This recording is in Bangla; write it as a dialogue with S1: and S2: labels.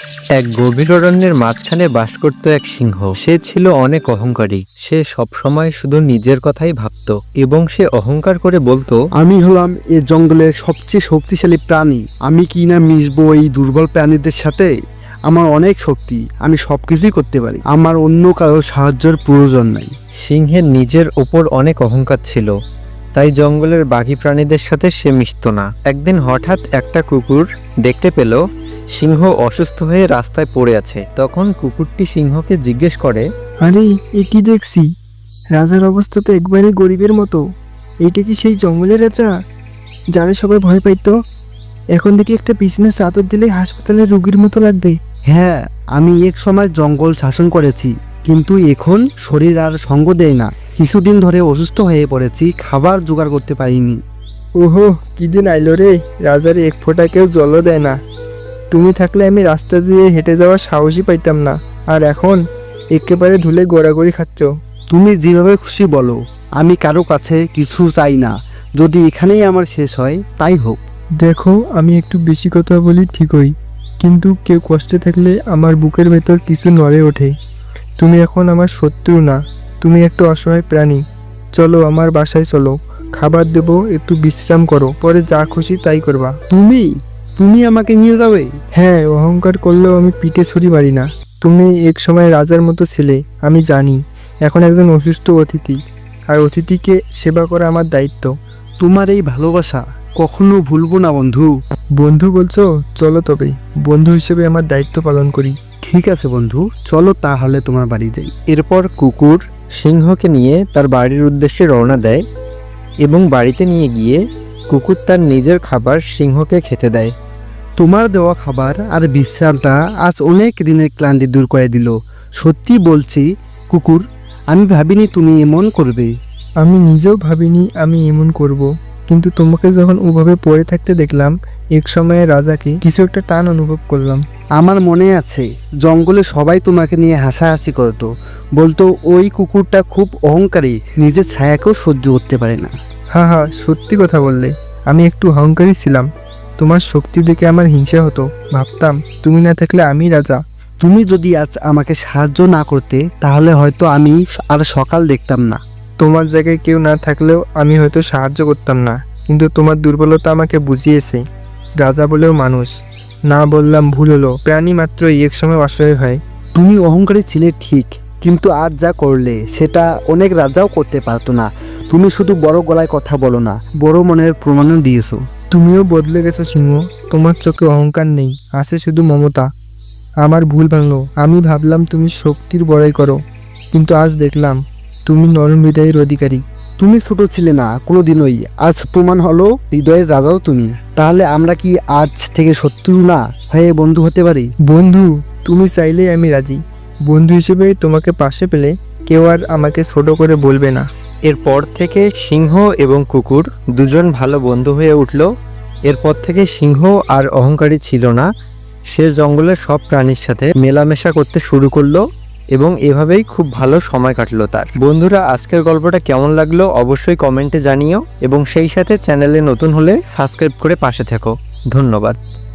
S1: এক গভীর অরণ্যের মাঝখানে বাস করত এক সিংহ। সে ছিল অনেক অহংকারী। সে সবসময় শুধু নিজের কথাই ভাবত এবং সে অহংকার করে বলতো,
S2: আমি হলাম এ জঙ্গলের সবচেয়ে শক্তিশালী প্রাণী। আমি কি না মিশবো এই দুর্বল প্রাণীদের সাথে? আমার অনেক শক্তি, আমি সবকিছুই করতে পারি। আমার অন্য কারো সাহায্যের প্রয়োজন নাই।
S1: সিংহের নিজের ওপর অনেক অহংকার ছিল, তাই জঙ্গলের বাকি প্রাণীদের সাথে সে মিশত না। একদিন হঠাৎ একটা কুকুর দেখতে পেল সিংহ অসুস্থ হয়ে রাস্তায় পড়ে আছে। তখন কুকুরটি সিংহকে জিজ্ঞেস করে,
S3: আরে এ কি দেখছি? রাজার অবস্থা তো একবারে গরিবের মতো। এইটা কি সেই জঙ্গলের রাজা যারা সবাই ভয় পাইতো? এখন দেখি একটা বিছানার চাদর দিলে হাসপাতালের রোগীর মতো লাগবে।
S2: হ্যাঁ, আমি এক সময় জঙ্গল শাসন করেছি, কিন্তু এখন শরীর আর সঙ্গ দেয় না। কিছুদিন ধরে অসুস্থ হয়ে পড়েছি, খাবার জোগাড় করতে পারিনি।
S3: ওহো, কি দিন আইলো রে! রাজার এক ফোঁটা কেউ জলও দেয় না। তুমি থাকলে আমি রাস্তা দিয়ে হেঁটে যাওয়ার সাহসই পাইতাম না, আর এখন একেবারে ধুলে গড়াগড়ি খাচ্ছ।
S2: তুমি যেভাবে খুশি বলো, আমি কারো কাছে কিছু চাই না। যদি এখানেই আমার শেষ হয় তাই হোক।
S3: দেখো, আমি একটু বেশি কথা বলি ঠিকই, কিন্তু কেউ কষ্টে থাকলে আমার বুকের ভেতর কিছু নড়ে ওঠে। তুমি এখন আমার শত্রু না, তুমি একটা অসহায় প্রাণী। চলো আমার বাসায় চলো, খাবার দেবো, একটু বিশ্রাম করো, পরে যা খুশি তাই করবা।
S2: তুমি তুমি আমাকে নিয়ে যাবে?
S3: হ্যাঁ, অহংকার করলেও আমি পিঠে ছড়ি মারি না। তুমি এক সময় রাজার মতো ছিলে, আমি জানি। এখন একজন অসুস্থ অতিথি, আর অতিথিকে সেবা করা আমার দায়িত্ব।
S2: তোমার এই ভালোবাসা কখনো ভুলবো না বন্ধু।
S3: বন্ধু বলছো? চলো তবে বন্ধু হিসেবে আমার দায়িত্ব পালন করি।
S2: ঠিক আছে বন্ধু, চলো তাহলে তোমার বাড়ি যাই।
S1: এরপর কুকুর সিংহকে নিয়ে তার বাড়ির উদ্দেশ্যে রওনা দেয় এবং বাড়িতে নিয়ে গিয়ে কুকুর তার নিজের খাবার সিংহকে খেতে দেয়।
S2: তোমার দেওয়া খাবার আর বিশ্রামটা আজ অনেক দিনের ক্লান্তি দূর করে দিল। সত্যি বলছি কুকুর, আমি ভাবিনি তুমি এমন করবে।
S3: আমি নিজেও ভাবিনি আমি এমন করব, কিন্তু তোমাকে যখন ওভাবে পড়ে থাকতে দেখলাম, এক সময়ে রাজাকে কিছু একটা টান অনুভব করলাম।
S2: আমার মনে আছে, জঙ্গলে সবাই তোমাকে নিয়ে হাসাহাসি করতো, বলতো ওই কুকুরটা খুব অহংকারী, নিজের ছায়াকেও সহ্য করতে পারে না।
S3: হ্যাঁ হ্যাঁ, সত্যি কথা বললে। আমি একটু অহংকারী ছিলাম। তোমার শক্তি দেখে আমার হিংসা হতো। ভাবতাম তুমি না থাকলে আমি রাজা।
S2: তুমি যদি আজ আমাকে সাহায্য না করতে, তাহলে হয়তো আমি আর সকাল দেখতাম না।
S3: তোমার জায়গায় কেউ না থাকলেও আমি হয়তো সাহায্য করতাম না, কিন্তু তোমার দুর্বলতা আমাকে বুঝিয়েছে। রাজা বলেও মানুষ না, বললাম ভুল হলো। প্রাণী মাত্র এক সময় অসহায় হয়।
S2: তুমি অহংকারী ছিলে ঠিক, কিন্তু আজ যা করলে সেটা অনেক রাজাও করতে পারতো না। তুমি শুধু বড় গলায় কথা বলো না, বড় মনের প্রমাণও দিয়েছো।
S3: তুমিও বদলে গেছো সিংহ। তোমার চোখে অহংকার নেই, আছে শুধু মমতা। আমার ভুল ভাঙলো। আমি ভাবলাম তুমি শক্তির বড়াই করো, কিন্তু আজ দেখলাম তুমি নরম হৃদয়ের অধিকারী।
S2: তুমি ছোট ছিলে না কোনোদিনই, আজ প্রমাণ হলো হৃদয়ের রাজাও তুমি। তাহলে আমরা কি আজ থেকে শত্রু না হয়ে বন্ধু হতে পারি?
S3: বন্ধু, তুমি চাইলেই আমি রাজি। বন্ধু হিসেবে তোমাকে পাশে পেলে কেউ আর আমাকে ছোট করে বলবে না।
S1: এরপর থেকে সিংহ এবং কুকুর দুজন ভালো বন্ধু হয়ে উঠল। এরপর থেকে সিংহ আর অহংকারী ছিল না। সে জঙ্গলের সব প্রাণীর সাথে মেলামেশা করতে শুরু করলো এবং এভাবেই খুব ভালো সময় কাটলো তার। বন্ধুরা, আজকের গল্পটা কেমন লাগলো অবশ্যই কমেন্টে জানিও এবং সেই সাথে চ্যানেলে নতুন হলে সাবস্ক্রাইব করে পাশে থেকো। ধন্যবাদ।